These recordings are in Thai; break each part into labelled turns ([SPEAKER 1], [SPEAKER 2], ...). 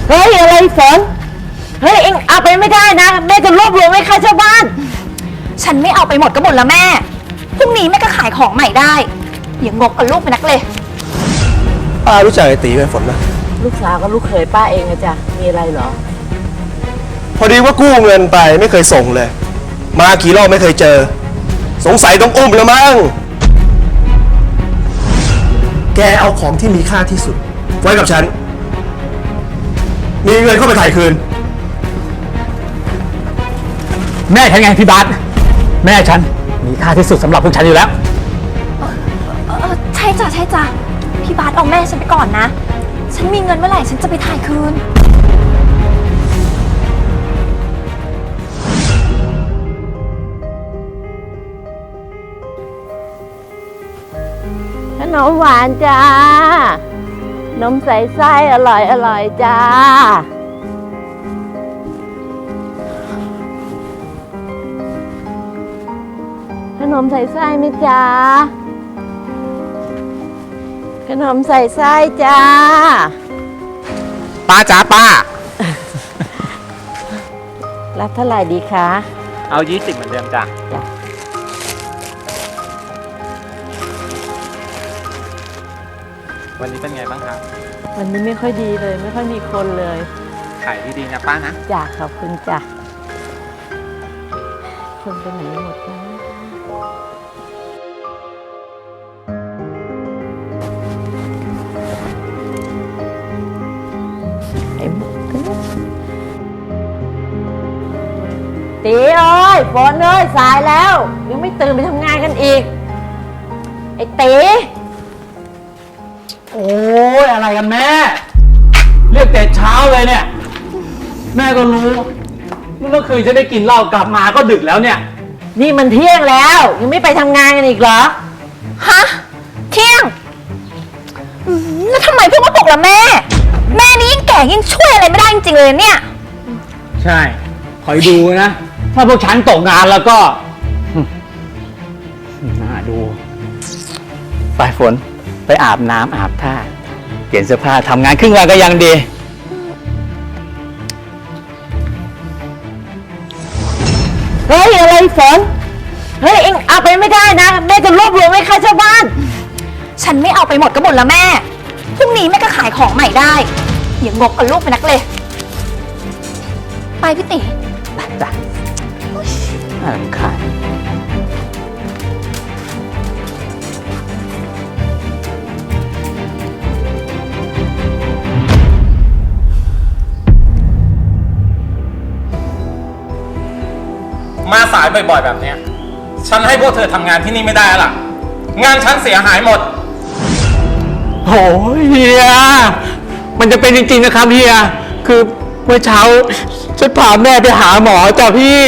[SPEAKER 1] เฮ้ยอะไรฝนเฮ้ยเอ็งเอาไปไม่ได้นะแม่จะรวบรวมให้ค่าเช่าบ้าน
[SPEAKER 2] ฉันไม่เอาไปหมดก็หมดแล้วแม่พรุ่งนี้แม่ก็ขายของใหม่ได้อย่างงกกับลูกไปนักเลย
[SPEAKER 3] ป้ารู้จักไอ้ตีไหมฝนนะ
[SPEAKER 1] ลูกสาวกับลูกเขยป้าเองนะจ๊ะมีอะไรเหรอ
[SPEAKER 3] พอดีว่ากู้เงินไปไม่เคยส่งเลยมากี่รอบไม่เคยเจอสงสัยต้องอุ้มแล้วมั้งแกเอาของที่มีค่าที่สุดไว้กับฉันมีเงินเข้าไปถ่ายคืน
[SPEAKER 4] แม่ฉันไงพี่บาสแม่ฉันมีค่าที่สุดสำหรับพวกฉันอยู่แล้ว
[SPEAKER 2] ใช่จ้ะพี่บาสเอาแม่ฉันไปก่อนนะฉันมีเงินเมื่อไหร่ฉันจะไปถ่ายคืน
[SPEAKER 1] ขนมหวานจ้านมใส่ไส้อร่อยจ้าขนมใส่ไส้ไหมจ้าขนมใส่ไส้จ้า
[SPEAKER 4] ป้าจ๋าป้า
[SPEAKER 1] รับเท่าไหร่ดีคะ
[SPEAKER 4] เอา20เหมือนเดิมจ้ะวันนี้เป็นไงบ้างครับ
[SPEAKER 1] วันนี้ไม่ค่อยดีเลยไม่ค่อยมีคนเลย
[SPEAKER 4] ขายดีๆนะป้านะ
[SPEAKER 1] จ้ะขอบคุณจ้ะคนไปไหนหมดนะไอ้มุกตีเอ้ยฝนเอ้ยสายแล้วยังไม่ตื่นไปทำงานกันอีกไอ้ตี
[SPEAKER 4] โอ้ยอะไรกันแม่เรียกแต่เช้าเลยเนี่ยแม่ก็รู้เมื่อคืนจะได้กินเหล้ากลับมาก็ดึกแล้วเนี่ย
[SPEAKER 1] นี่มันเที่ยงแล้วยังไม่ไปทำงานกันอีกเหรอ
[SPEAKER 2] ฮะเที่ยงแล้วทำไมเพิ่งมาปลุกล่ะแม่นี่ยิ่งแก่ยิ่งช่วยอะไรไม่ได้จริงๆเลยเนี่ย
[SPEAKER 4] ใช่คอยดูนะถ้าพวกฉันตกงานแล้วก็น่าดูไปฝนไปอาบน้ำอาบท่าเปลี่ยนเสื้อผ้าทำงานครึ่งวันก็ยังดี
[SPEAKER 1] เฮ้ยอะไรฝนเฮ้ยเอ็งเอาไปไม่ได้นะแม่จะรวบรวมให้ค่าเช่าบ้าน
[SPEAKER 2] ฉันไม่เอาไปหมดก็หมดแล้วแม่พรุ่งนี้แม่ก็ขายของใหม่ได้อย่างงกกับลูกไปนักเลยไปพี่ติ๋
[SPEAKER 4] ไปจ้ะน่ารำคาญ
[SPEAKER 5] มาสายบ่อยๆแบบนี้ฉันให้พวกเธอทำงานที่นี่ไม่ได้แล้วล่ะงานฉันเสียหายหมด
[SPEAKER 4] โอ้ยเฮียมันจะเป็นจริงๆนะครับเฮียคือเมื่อเช้าฉันพาแม่ไปหาหมอจ้ะพี่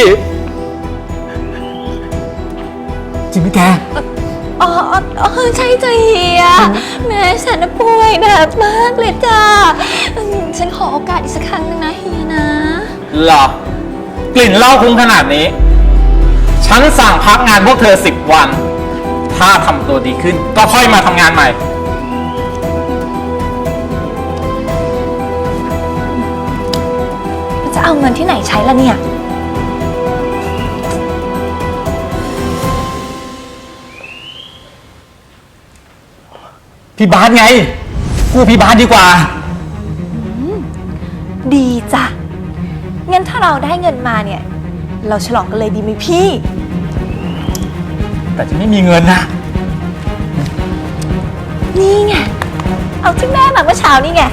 [SPEAKER 4] จริงไหมแก
[SPEAKER 2] อ๋อใช่จ้ะเฮียแม่ฉันป่วยหนักมากเลยจ้ะฉันขอโอกาสอีกสักครั้งนึงนะเฮียนะ
[SPEAKER 5] หรอกลิ่นเหล้าคุ้งขนาดนี้ฉันสั่งพักงานพวกเธอ10 วันถ้าทำตัวดีขึ้นก็ค่อยมาทำงานใหม่
[SPEAKER 2] จะเอาเงินที่ไหนใช้ล่ะเนี่ย
[SPEAKER 4] พี่บาสไงกู้พี่บาสดีกว่า
[SPEAKER 2] ดีจ้ะงั้นถ้าเราได้เงินมาเนี่ยเราฉลองกันเลยดีไหมพี่
[SPEAKER 4] แต่จะไม่มีเงินนะ
[SPEAKER 2] นี่ไงเอาที่แม่มาเมื่อเช้านี่ไง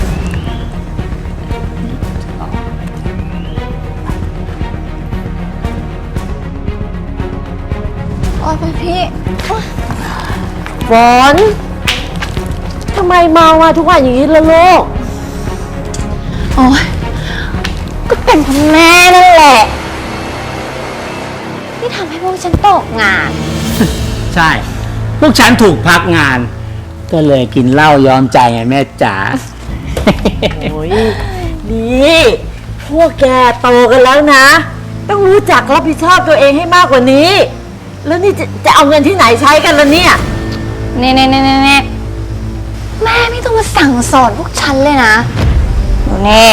[SPEAKER 2] โอ้ยพี่
[SPEAKER 1] ฝนทำไมเมาอ่ะทุกวันอย่างนี้ล่ะลูก
[SPEAKER 2] โอ้ยก็เป็นเพราะแม่นั่นแหละที่ทำให้พวกฉันตกงาน
[SPEAKER 4] ใช่พวกฉันถูกพักงานก็เลยกินเหล้ายอมใจไงแม่จ๋า
[SPEAKER 1] โอ้ยนี่พวกแกโตกันแล้วนะต้องรู้จักรับผิดชอบตัวเองให้มากกว่านี้แล้วนี่จะเอาเงินที่ไหนใช้กันล่ะเนี่ย
[SPEAKER 2] เน่แม่ไม่ต้องมาสั่งสอนพวกฉันเลยนะแน่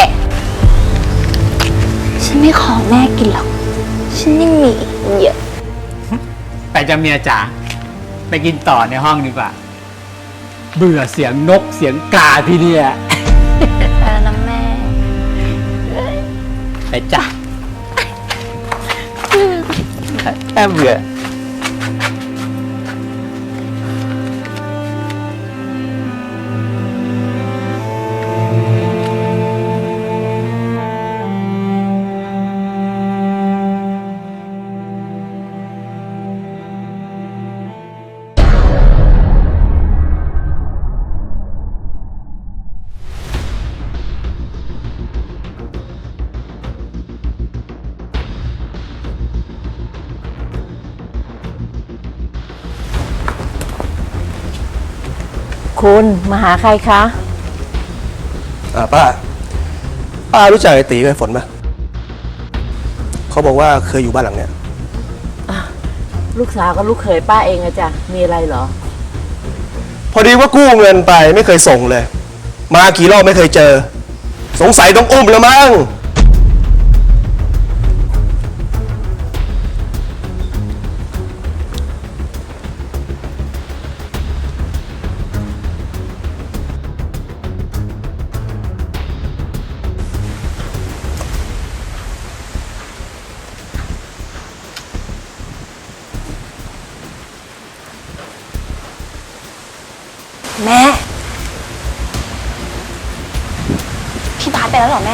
[SPEAKER 2] ฉันไม่ขอแม่กินหรอก ฉันยังมีอีกเยอะ
[SPEAKER 4] ไปจะเมียจ๋าไปกินต่อในห้องดีกว่า เบื่อเสียงนกเสียงกาพี่เนี่ย
[SPEAKER 2] ไปแล้วนะแม่
[SPEAKER 4] ไปจ้ะแอบเบื่อ
[SPEAKER 1] คุณมาหาใครคะ
[SPEAKER 3] ป้ารู้จักไอ้ตีกับไอ้ฝนไหมเขาบอกว่าเคยอยู่บ้านหลังเนี้ย
[SPEAKER 1] ลูกสาวกับลูกเขยป้าเองอะจ้ะมีอะไรเหรอ
[SPEAKER 3] พอดีว่ากู้เงินไปไม่เคยส่งเลย มากี่รอบไม่เคยเจอ สงสัยต้องอุ้มแล้วมั้ง
[SPEAKER 2] แม่ พี่บาสไปแล้วเหรอแม่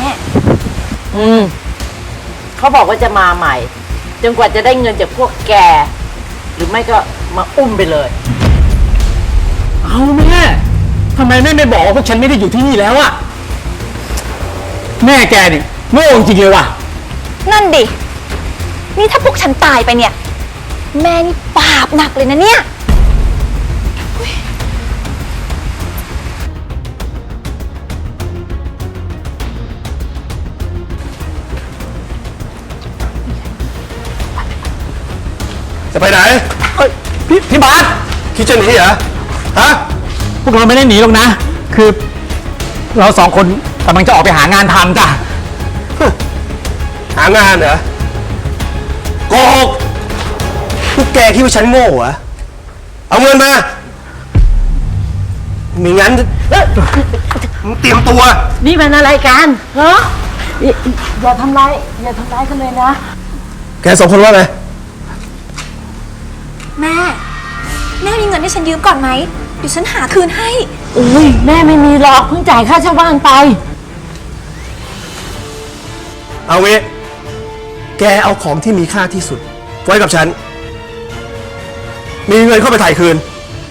[SPEAKER 1] เขาบอกว่าจะมาใหม่ จนกว่าจะได้เงินจากพวกแก หรือไม่ก็มาอุ้มไปเลย
[SPEAKER 4] เอาแม่ทำไมแม่ไม่บอกว่าพวกฉันไม่ได้อยู่ที่นี่แล้วอะแม่แกนี่โง่จริงเลยว่ะ
[SPEAKER 2] นั่นดิ นี่ถ้าพวกฉันตายไปเนี่ย แม่นี่บาปหนักเลยนะเนี่ย
[SPEAKER 3] จะไปไหน
[SPEAKER 4] เอ้ยพี่บาส
[SPEAKER 3] คิดจะหนีเหรอ ฮะ
[SPEAKER 4] พวกเราไม่ได้หนีหรอกนะ คือเราสองคนกำลังจะออกไปหางานทำจ้ะ
[SPEAKER 3] หางานเหรอโกหกพวกแกคิดว่าฉันโง่เหรอ เอาเงินมาไม่งั้นมึงเตรียมตัว
[SPEAKER 1] นี่มันอะไรกันเหรออย่าทำร้ายกันเลยนะ
[SPEAKER 3] แกสองคนว่าไง
[SPEAKER 2] แม่ แม่มีเงินให้ฉันยืมก่อนไหม เดี๋ยวฉันหาคืนให้
[SPEAKER 1] อุ้ยแม่ไม่มีหรอกเพิ่งจ่ายค่าเช่าบ้านไป
[SPEAKER 3] เอางี้แกเอาของที่มีค่าที่สุดไว้กับฉัน มีเงินเข้าไปถ่ายคืน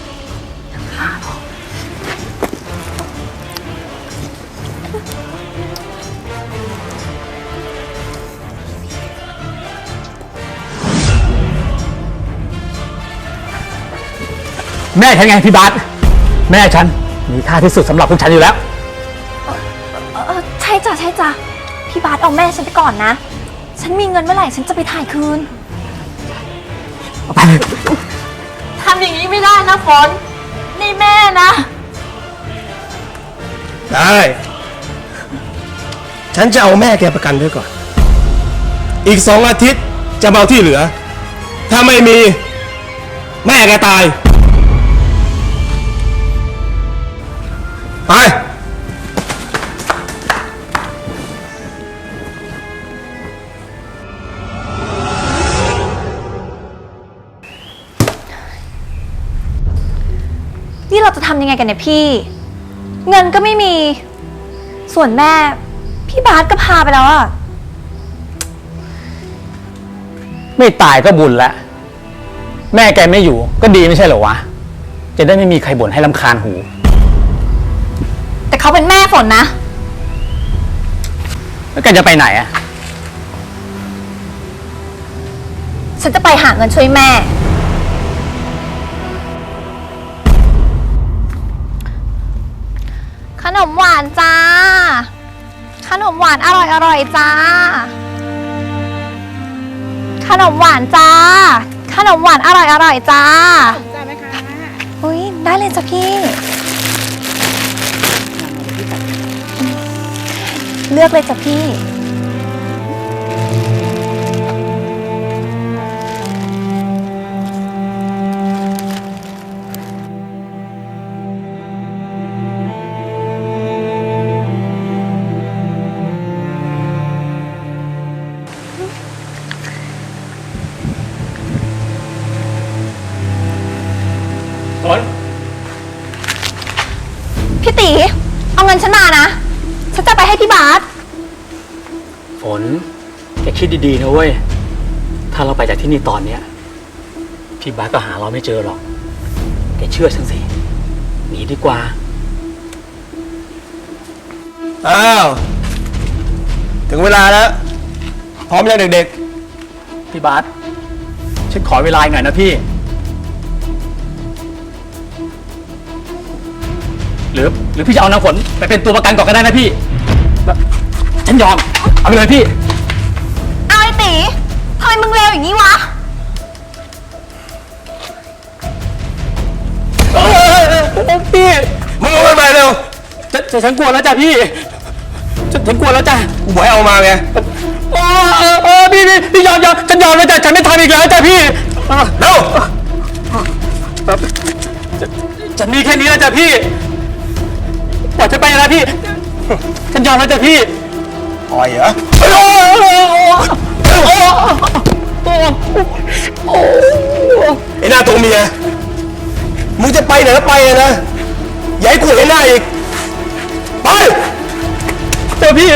[SPEAKER 4] แม่ฉันไงพี่บาสแม่ฉันมีค่าที่สุดสำหรับพวกฉันอยู่แล้ว
[SPEAKER 2] ใช่จ้ะใช่จ้ะ พี่บาสเอาแม่ฉันไปก่อนนะ ฉันมีเงินเมื่อไหร่ฉันจะไปถ่ายคืน
[SPEAKER 1] ทำอย่างนี้ไม่ได้นะฝน นี่แม่นะ
[SPEAKER 3] ได้ ฉันจะเอาแม่แกประกันไว้ก่อน อีก2 อาทิตย์จะมาเอาที่เหลือ ถ้าไม่มีแม่แกตาย ไป
[SPEAKER 2] นี่เราจะทำยังไงกันเนี่ยพี่ เงินก็ไม่มี ส่วนแม่ พี่บาสก็พาไปแล้วอะ
[SPEAKER 4] ไม่ตายก็บุญละแม่แกไม่อยู่ก็ดีไม่ใช่เหรอวะ จะได้ไม่มีใครบ่นให้รำคาญหู
[SPEAKER 2] แต่เขาเป็นแม่ฝนนะ
[SPEAKER 4] แล้วแกจะไปไหนอะ
[SPEAKER 2] ฉันจะไปหาเงินช่วยแม่ ขนมหวานจ้า ขนมหวานอร่อยจ้า ขนมหวานจ้า ขนมหวานอร่อยจ้าจ้าไหมคะอุ้ยได้เลยจ้ะพี่เลือกเลยจ้ะพี่
[SPEAKER 4] ฝน
[SPEAKER 2] พี่ตีเอาเงินฉันมานะ ฉันจะไปให้พี่บาส
[SPEAKER 4] ฝนแกคิดดีๆนะเว้ย ถ้าเราไปจากที่นี่ตอนเนี้ยพี่บาสก็หาเราไม่เจอหรอก แกเชื่อฉันสิ หนีดีกว่า
[SPEAKER 3] อ้าว ถึงเวลาแล้ว พร้อมยังเด็ก
[SPEAKER 4] พี่บาสฉันขอเวลาอีกหน่อยนะพี่ หรือพี่จะเอานางฝนไปเป็นตัวประกันก่อนก็ได้นะพี่ ฉันยอม เอาไปเลยพี่
[SPEAKER 2] เอาไอ้ตีทำไมมึงเลวอย่างนี้วะ
[SPEAKER 4] พี่
[SPEAKER 3] ๆมึงเอามันไปเร็ว
[SPEAKER 4] ฉันกลัวแล้วจ้ะพี่ ฉันกลัวแล้วจ้ะ
[SPEAKER 3] กูบอกให้เอามาไง
[SPEAKER 4] พี่ยอมฉันยอมแล้วจ้ะฉันไม่ทำอีกแล้วจ้ะพี่
[SPEAKER 3] เร็ว
[SPEAKER 4] ฉันมีแค่นี้แล้วจ้ะพี่ปล่อยฉันไปนะพี่ ฉันยอมแล้วจ้ะพี่
[SPEAKER 3] ปล่อยเหรอไอ้หน้าตัวเมีย มึงจะไปไหนก็ไปเลยนะ อย่าให้กูเห็นหน้าอีก ไป
[SPEAKER 4] จ้ะพี่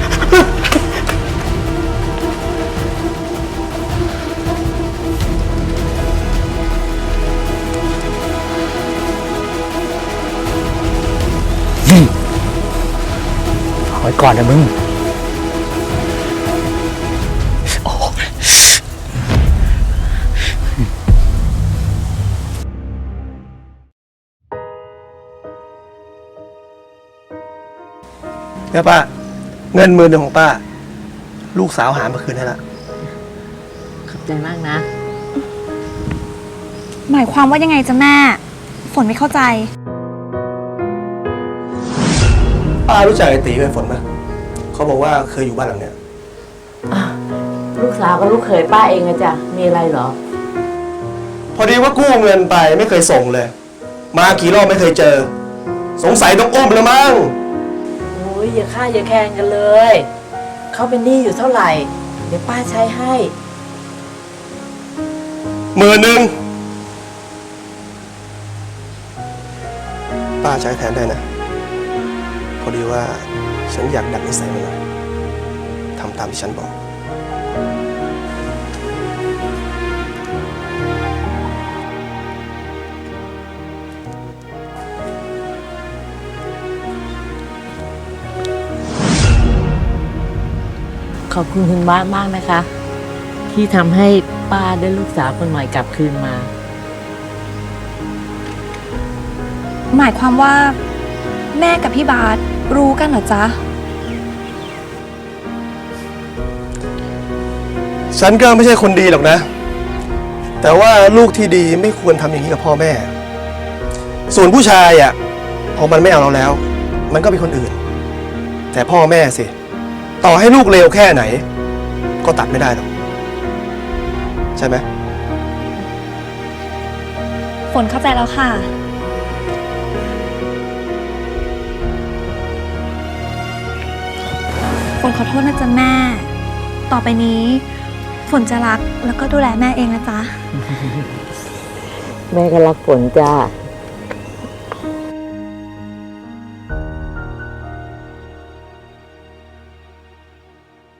[SPEAKER 4] เอาไว้ก่อนนะมึง
[SPEAKER 3] เนี่ยป้า เงิน10,000ของป้า ลูกสาวหามาคืนให้ละ
[SPEAKER 1] ขอบใจมากนะ
[SPEAKER 2] หมายความว่ายังไงจ๊ะแม่ ฝนไม่เข้าใจ
[SPEAKER 3] ป้ารู้จักไอ้ตีกับไอ้ฝนไหมเขาบอกว่าเคยอยู่บ้านหลังเนี้ย
[SPEAKER 1] ลูกสาวกับลูกเขยป้าเองอะจ้ะ มีอะไรเหรอ
[SPEAKER 3] พอดีว่ากู้เงินไปไม่เคยส่งเลย มากี่รอบไม่เคยเจอ สงสัยต้องอุ้มแล้วมั้ง
[SPEAKER 1] โอ้ยอย่าฆ่าอย่าแข่งกันเลย เขาเป็นหนี้อยู่เท่าไหร่ เดี๋ยวป้าใช้ให้
[SPEAKER 3] 10,000ป้าใช้แทนได้นะ พอดีว่าฉันอยากดัดนิสัยมันหน่อยทำตามที่ฉันบอก
[SPEAKER 1] ขอบคุณคุณบ้านมากนะคะ ที่ทำให้ป้าได้ลูกสาวคนใหม่กลับคืนมา
[SPEAKER 2] หมายความว่า แม่กับพี่บาสรู้กันเหรอจ๊ะ
[SPEAKER 3] ฉันก็ไม่ใช่คนดีหรอกนะ แต่ว่าลูกที่ดีไม่ควรทำอย่างนี้กับพ่อแม่ ส่วนผู้ชายอ่ะพอมันไม่เอาเราแล้ว มันก็เป็นคนอื่น แต่พ่อแม่สิ ต่อให้ลูกเลวแค่ไหน ก็ตัดไม่ได้หรอก ใช่ไหม
[SPEAKER 2] ฝนเข้าใจแล้วค่ะ ฝนขอโทษนะจ๊ะแม่ ต่อไปนี้ ฝนจะรักแล้วก็ดูแลแม่เองนะจ๊ะ
[SPEAKER 1] แม่ก็รักฝนจ้า